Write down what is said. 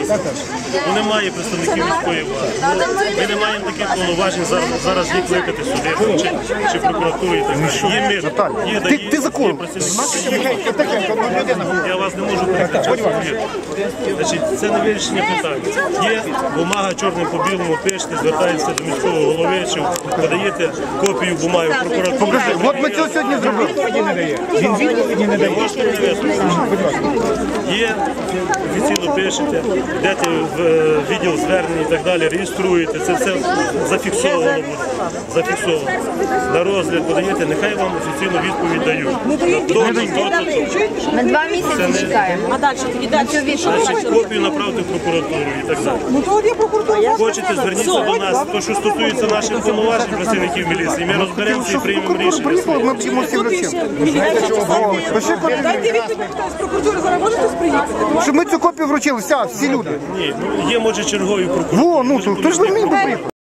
Ну, немає представників міської влади. Ми не маємо таких повноважень зараз їх викликати сюди, чи прокуратуру і так далі. Ти закон. Я вас не можу перекричати. Значить, це не вирішення питання. Є бумага чорним по білому, пишете, звертаєтеся до міського голови, чи подаєте копію бумаги в прокуратуру. Покажи, от ми це сьогодні зробили. Він відповіді не дає. Є, офіційно пишете, йдете в відділ звернень і так далі, реєструєте, це все зафіксовано буде. Зафіксовано. На розгляд подаєте, нехай вам офіційну відповідь дають. Ми 2 місяці чекаємо. А далі тоді далі. Значить, копію направити в прокуратуру і так далі. Ну то є прокуратура. Хочете, зверніться до нас, то що стосується наших повноважень працівників міліції, ми розберемося і приймемо рішення. Приїхали, ми вчимо всім речам. Дайте відповідь, хто з прокуратури зараз може хтось приїхати? Щоб ми цю копію вручили, всі люди. Ні, ну є, може, чергові прокуратури. Во, ну, то ж не міг би приїхати.